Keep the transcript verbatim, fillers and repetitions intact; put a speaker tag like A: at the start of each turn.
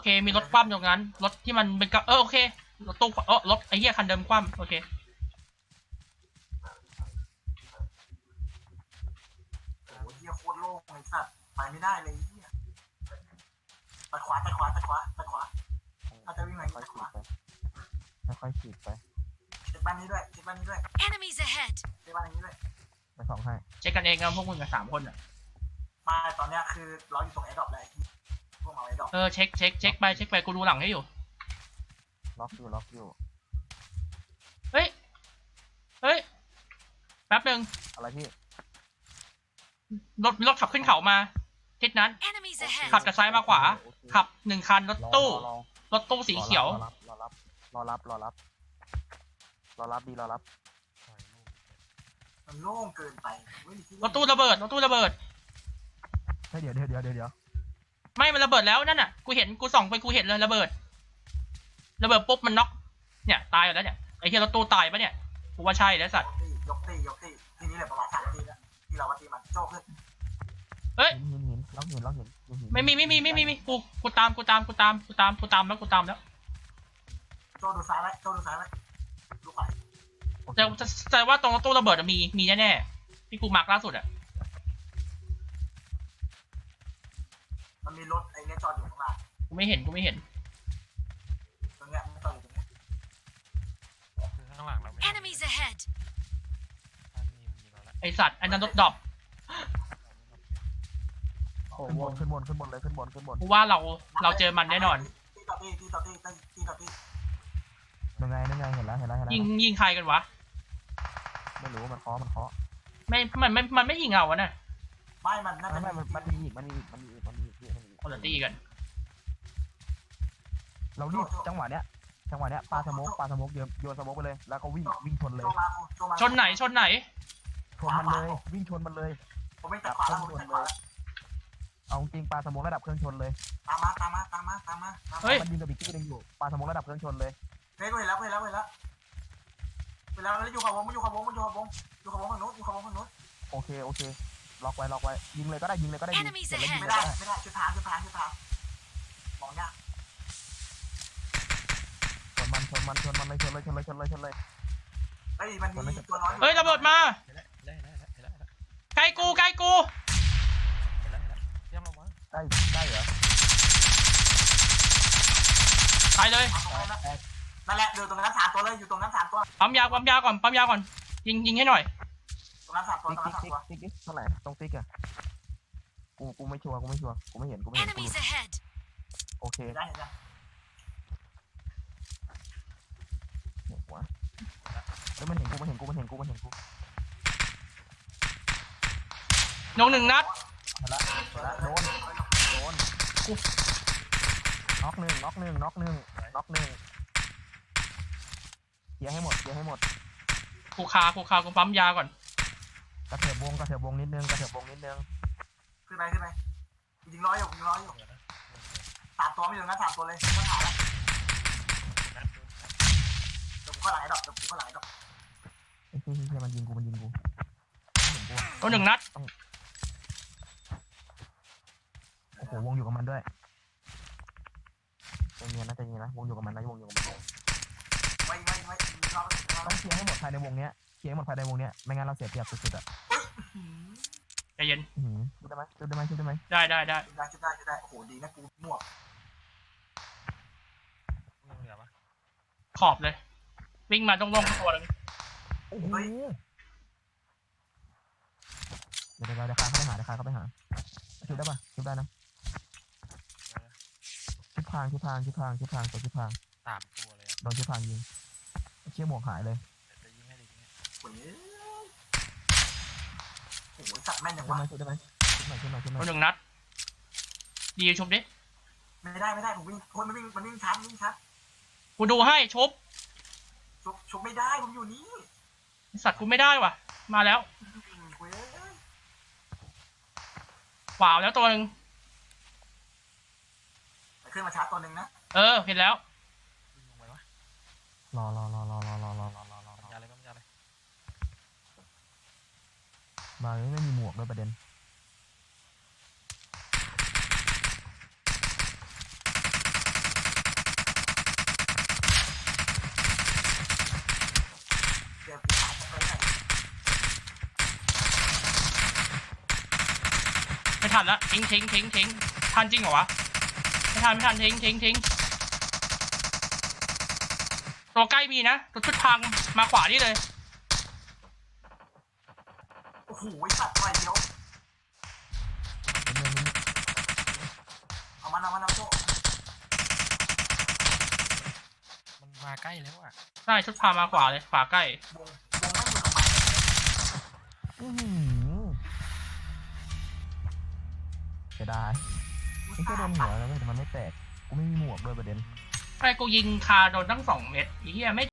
A: เคมีรถคว่ำตรงนั้นรถที่มันเป็นกระเออโอเครถตู้เออรถไอ้เหี้ยคันเดิมคว่ำโอเค
B: โอ้ยเหี้ยโคตรโล่งไอ้สัตว์ไปไม่ได้เลยเหี้ยตัดขวาตัดขวาตัดขวาตัดขวาถ้าจะวิ่งไหน
C: ค่อย
B: ตัดข
C: ฉี
B: วา
C: ดไปค่อยฉีดไป
B: เช็คบ้านนี้ด้วยเช็คบ้านนี้ด้วย
D: Enemies ahead!
B: เช็คบ้านนี้ด้วย
C: ไปสองให้
A: เช็คกันเองกันพวกมึงกับสามคนอ่ะ
B: มาตอนเนี้ยคือเราอยู่ตรงแอร์ดรอปเลยพวกมาแอร์ดรอป
A: เออเช็คเช็คเช็คไปเช็คไปกูดูหลังให้อยู่
C: ล็อกอยู่ล็อกอยู่
A: เฮ้ยเฮ้ยแป๊บนึง
C: อะไรพี่
A: รถรถขับขึ้นเขามาทิศนั้น
D: Enemies ahead!
A: ขับจากซ้ายมาขวาขับหนึ่งคันรถตู้
C: รอ
A: รถตู้สีเขียว
C: รอรับรอรับรอรับรอรับรอรับดีรอรับ
B: มันโล่งเกินไปไม่มีที่
A: รถตู้ระเบิดรถตู้ระเบิด
C: เฮ้ยเดี๋ยวเดี๋ยวเดี๋ยวเดี๋ยว
A: ไม่มันระเบิดแล้วนั่นน่ะกูเห็นกูส่องไปกูเห็นเลยระเบิดระเบิดปุ๊บมันน็อกเนี่ยตายอยู่แล้วเนี่ยไอ้เหี้ยรถตู้ตายปะเนี่ยกูว่าใช่แล้วสัตว์
B: ตียกตียกตีทีนี้เลยประมาณสามทีแล้วที่เราว่าตีมันโจ้ขึ้น
A: เฮ้ย
C: หินหินล็อกหินล็อกหิน
A: ไม่มีไม่มีไม่มีไม่มีกูกูตามกูตามกูตามกูตามกูตามแล้วกูตามแล้ว
B: โจ้ดูซ้ายไว้โจ้ดูซ้ายไว้ลูกไป
A: แต่แต่ว่าตรงรถตู้ระเบิดมีมีแน่ๆที่กูมาร์กล่าสุดอ่ะ
B: มันมีรถไอ้เนี่ยจอดอยู่ข้างล่าง
A: กูไม่เห็นกูไม่เห็น
B: ตรงเนี้ยมันจอดอยู่ตรงเนี้ย
E: คือข้างหลังเราไม่
D: Enemies ahead!
E: ถ้ามีมีเราแล้ว
A: ไอสัตว์ไอ้นั่นรถดรอปโอ้
C: ขึ้น
A: โห
C: บนขึ้นบนขึ้นบนเลยขึ้นบนขึ้นบน
A: กูว่าเราเราเจอมันแน่นอน
B: ตีต่อตีตีต่อตีตีตีต่อตี
C: ยังไงยังไงเห็นแล้วเห็นแล้วเห็นแล้ว
A: ยิงยิงใครกันวะ
C: ไม่รู้มันเคาะมันเคาะ
A: ไม่มันไม่มันไม่ยิงเราอะนะ
B: ไม่มันน่า
C: ไม่
B: จะ
C: ไม่มันมันมีอีกมันมีอีกมันมีอีกมันมีอีกมันมีอีก
A: คนละตีกัน
C: เรารีบจังหวะเนี้ยจังหวะเนี้ยปาสโมกปาสโมกโยนโยนสโมกไปเลยแล้วก็วิ่งวิ่งชนเลย
B: โจมาโจมา
A: ชนไหนชนไหน
C: ชนมันเลยวิ่งชนมันเลย
B: ผมไม่ตัดขวาแล้วผมตัดขวา
C: เอาจริงปาสโมกระดับเครื่องชนเลย
B: ตามมาตามมาตามมาตามมา
A: เฮ้ย
C: มันยิงกับบิ๊กกี้นึงอยู่ปาสโมกระดับเครื่องชนเลย
B: เฮ้ยเห็นแล้วเห็นแล้วเห็นแล้วเห็นแล้วแล้วอยู่ขวาวงมันอยู่ขวาวงมันอยู่ขวาวงอยู่ขวาวงฝั่งโน้นอยู่ขวาวงฝั่งโน้น
C: โอเคโอเคล็อกไว้ล็อกไว้ยิงเลยก็ได้ยิงเลยก็ได้ยิง
D: Enemies
C: เสร็จแล้วยิง
B: ไม่
C: เลย
B: ได้
C: ก็ได้
B: ไม่ได้ชุดทางชุดทางชุดทางมองยาก
C: ชนมันชนมันชนมันเลยชนเลยชนเลยชนเลยชนเลย
B: เฮ้ยมันมีตัวน้อย
A: เฮ้ยระเบิดมา
E: เห็นแล้วเห็นแล้วเห็นแล้วเห็นแล้ว
A: ใกล้กูใกล้กู
E: เห็นแล้วเห็นแล้วเยี่ยมลงมา
C: ใกล้ใกล้เหรอ
A: ตายเลย
B: นั่นแหละอยู่ตรงนั้นสามตัวเลยอยู่ตรงนั้นสามตัว
A: ปั๊มยาปั๊มยาก่อนปั๊มยาก่อนยิงยิงให้หน่อย
B: ตรงนั้นสามตัว
C: ติ๊ก
B: ตรงนั้น
C: ติ๊ก
B: สาม
C: ติ๊ก
B: ตัว
C: ติ๊กติ๊กเท่าไหร่ตรงติ๊กอะกูกูไม่ชัวร์กูไม่ชัวร์กูไม่เห็นกูไม่เห็นกู
D: Enemies ahead!
C: โอเค
B: ได้เห็นแล้ว
C: เห็นหัวเฮ้ยมันเห็นกูมันเห็นกูมันเห็นกูมันเห็นกู
A: ลงหนึ่งนัด
C: เห็นละเห็นละโดนโดนน็อกหนึ่งน็อกหนึ่งน็อกหนึ่งน็อกหนึ่งเคลียร์ให้หมดเคลียร์ให้หมด
A: กูคากูคากูปั๊มยาก่อน
C: กระเถิบวงกระเถิบวงนิดนึงกระเถิบวงนิดนึง
B: ขึ้นไปขึ้นไปยิงร้อยอยู่ยิงร้อยอยู่
E: เดี๋ยวนะ
B: สามตัวไม่อยู่นะสามตัวเลยก็หาแล้ว
E: นัด
B: เดี๋ยวผมก็หลายดอกเดี๋ยวผมก็หลายดอก
C: ไอ้เหี้ยเหี้ยมันยิงกูมันยิงกูเห็นกูอะ
A: ลงหนึ่งนัด
C: โอ้โหวงอยู่กับมันด้วยใจเย็นนะใจเย็นนะวงอยู่กับมันนะวงอยู่กับมัน
B: ไว้ไว้ไว้ยิงรอบยิงรอบ
C: ต้องเคลียร์ให้หมดภายในวงเนี้ยเคลียร์ให้หมดภายในวงเนี้ยไม่งั้นเราเสียเปรียบสุดๆอ่ะ
A: ใจเย็น
C: อื้อหือชุดได้ไหมชุดได้ไหมชุดได้ไหม
A: ได้ได้ได้
B: ได้ชุดได้ชุดได้โอ้โหดีนะกูมั่ว
E: ลงเหนือปะ
A: ขอบเลย วิ่งมาตรงลงตัวนึง
C: โอ้โหเดี๋ยวเดี๋ยวเดี๋ยวคาเข้าไปหาเดี๋ยวคาเข้าไปหาชุดได้ปะชุดได้นะชุดพรางชุดพรางชุดพรางชุดพรางตัวชุดพราง
E: สามตัวเลยอ่ะ
C: โดนชุดพรางยิงเชี่ยหมวกหายเลย
E: เดี๋ยวจะยิงให้ดิยิงให้
B: โอ้ยโอ้โหสัตว์แม่น
C: ชุ
B: ยั
C: ด
B: ง
C: ได้
B: วะ
C: ไหมชุดได้ไหมชุดหน่อยชุดหน่อยชุดห
A: ล
C: น่อง ย
A: หนึ่งนัดดีชุบดิ
B: ไม่ได้ไม่ได้ผมวิ่งคนมันวิ่งมันวิ่งชัดวิ่งชัด
A: กูดูให้ชุบ
B: ชุบชุบไม่ได้ผมอยู่นี่
A: สัตว์กูไม่ได้ว่ะ มาแล้ว
B: เว้ย
A: ขวาวแล้วตัวหนึ่ง
B: ขึ้นมาชาร์จตัวหนึ่งนะ
A: เออเห็นแล้ว
E: ยิงลงไปวะ
C: รอรอรอรอรอรอรอรอรอรอ
E: ปัญญาเลยปัญญาเลย
C: มาเลยไม่มีหมวกด้วยประเด็น
A: ทันละทิ้งทิ้งทิ้งทิ้งทันจริงเหรอวะไม่ทันไม่ทันทิ้งทิ้งทิ้งตัวใกล้มีนะตัวชุดทางมาขวานี่เลย
B: โอ้โหไอ้สัตว์ไปเดียวเอามันเอามันเอาโจ้
E: มันมาใกล้แล้วอ่ะ
A: ใช่ชุดพามาขวาเลยขวาใกล้ว
B: งวงไม่อยู่ตรงไหน
C: อื้อหือจะได้นี่ก็โดนหัวแล้วเว้ยแต่มันไม่แตกกูไม่มีหมวกด้วยประเด็น
A: ไอ้กูยิงคาโดนตั้งสองเม็ดไอ้เหี้ยไม่